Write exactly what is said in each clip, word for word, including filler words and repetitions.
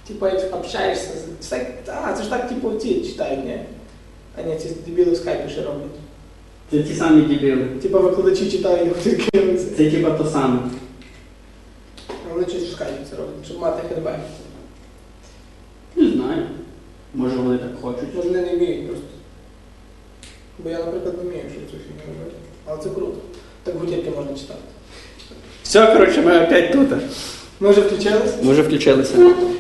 Типа, як общаєшся, це так, а, це ж так, типу, ці читають, ні? А ні, ці дебіли в скайпі ще роблять. Це ті самі дебіли. Типа викладачі читають, як тільки Це типа то саме. Вони щось в скайпі це роблять, щоб мати хедбек. Не знаю. Може вони так хочуть. Може вони не вміють просто. Бо я, наприклад, не вмію, що цю фігню робити. Але це круто. Так гутірки можна читати. Все, коротше, ми опять тут. Ми вже включились? Ми вже включилися.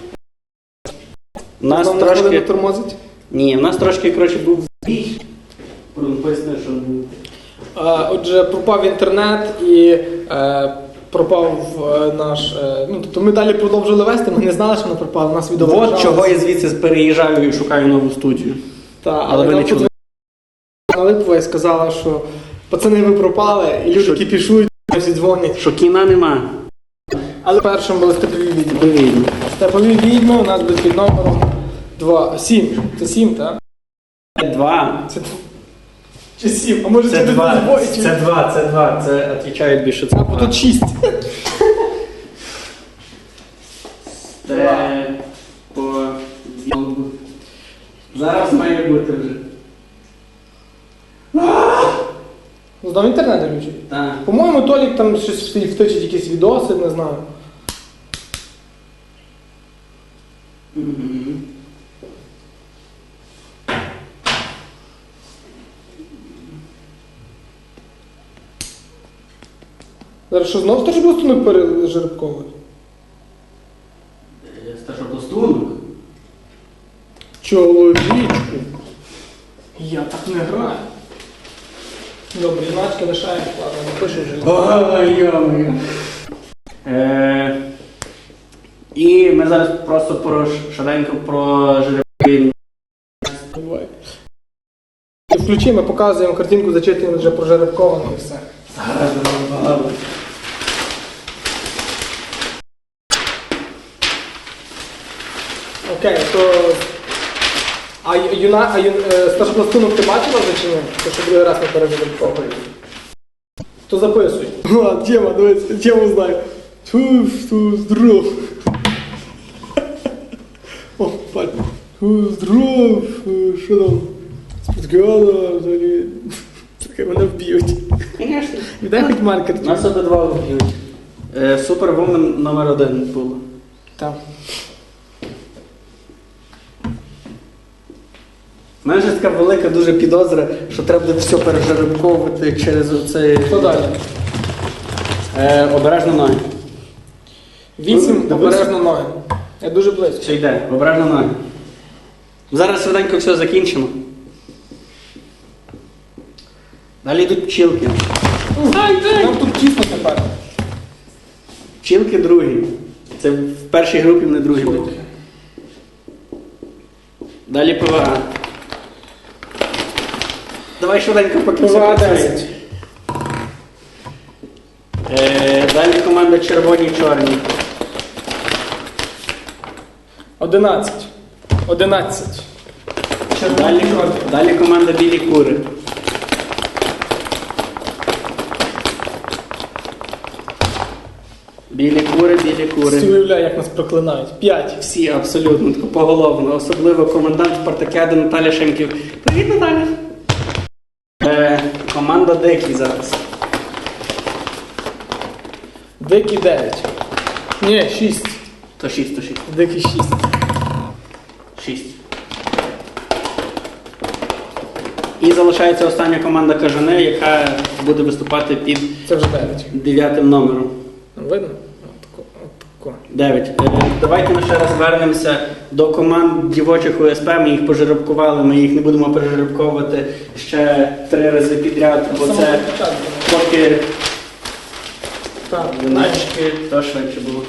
У нас Вам трошки... не тормозить? Ні, у нас трошки, коротше, був збій. Поясни, що був. А, отже, пропав інтернет і е, пропав е, наш... Е, ну, тобто ми далі продовжили вести, ми не знали, що воно пропало, у нас відео От чого я звідси переїжджаю і шукаю нову студію. Та, але, але ви не чули. Липова і сказала, що пацани ви пропали, і люди Що? кіпішують, всі дзвонять. Що кіна нема. Але першим були степові відьми. Відповідно. Степові відьми у нас будуть під номером два. сім. Це сім, так? Два. Це... Чи сім? А може Це через два. збої? Чи... Це два, це два. Це відповідають більше. Це А, бо тут шість. Це по... Зараз має бути вже. Знову інтернет виключить. Так. По-моєму, Толік там щось втичить якісь відоси, не знаю. Угу. Зараз що, знов стажбластунок пережеребковують? Стажопластунок? Чоловічку. Я так не граю. Добре, іначки лишаємо, ладно, не пишу вже. Ой-ой-ой. Е, І ми зараз просто про швиденько про жеребки. Буває. І включи, ми показуємо картинку, зачитуємо вже прожеребковано і все. Зараз багато. Окей, то... А, юна, а ю, е, стажопластунок ти бачила вже чи ні? То що другий раз не пережеребковують. То записуй. А, тема, дивіться, тему знаю. Ту, ту, здоров. О, пальці. Ту, здоров. Що там? Спецгала, взагалі. Слухай, мене вб'ють. Звісно. Віддай хоч маркер. Нас обидва вб'ють. Супервумен номер один було. Так. У мене ж така велика дуже підозра, що треба буде все пережеребковувати через оцей... Що далі? Е, обережно ноги. Вісім, Дивися. обережно ноги. Я дуже близько. Все йде, обережно ноги. Зараз швиденько все закінчимо. Далі йдуть пчілки. Нам тут тісно тепер. Пчілки другі. Це в першій групі, не другій будуть. Далі ПВА. Давай швиденько поки все ПВА працює. десять. Е, Далі команда червоні-чорні. Одинадцять. Одинадцять. Далі, далі команда білі кури. Білі кури, білі Всі кури. уявляю, як нас проклинають. П'ять. Всі абсолютно тако поголовно. Особливо комендант Спартакіади Наталя Шемків. Привіт, Наталя! Е, команда Дикі зараз. Дикі дев'ять. Ні, шість. То шість, то шість. Дикі шість. Шість. І залишається остання команда Кажани, яка буде виступати під Це вже дев'ять. дев'ятим номером. Видно? Отако, отако. Дев'ять. Е, Давайте ми ще раз вернемося до команд дівочих ОСП. Ми їх пожеребкували, ми їх не будемо пережеребковувати ще три рази підряд, бо З це самого початку. поки Так. виначки, то швидше було.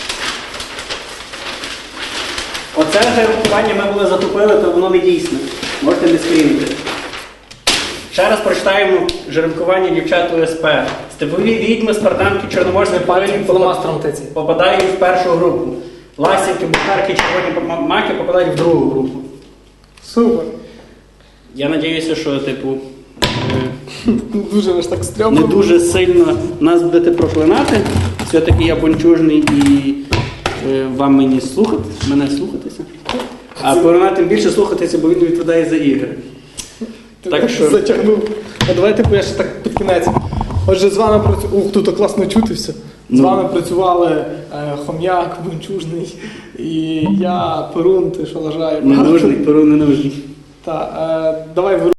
Оце жеребкування ми були затупили, то воно не дійсне. Можете не скрінити. Ще раз прочитаємо жеребкування дівчат ОСП. Степові відьми, спартанки, чорноморські пальці Фломастером тиці. попадають в першу групу. Ласівки, бухарки, червоні маки попадають в другу групу. Супер. Я сподіваюся, що, типу, е, Дуже ви ж так стрьомно. не дуже сильно нас будете проклинати. Все-таки я бончужний і е, вам мені слухати, мене слухатися. А Перуна тим більше слухатися, бо він відповідає за ігри. Ти Так що- затягнув. А давайте типу, я ще так під кінець. Отже, з вами працювали. Ух, тут класно чути все. З Ну. вами працювали е, Хом'як, Бунчужний і я, Перун, ти що лажає. Ненужний, Перун ненужний. Та, е, давай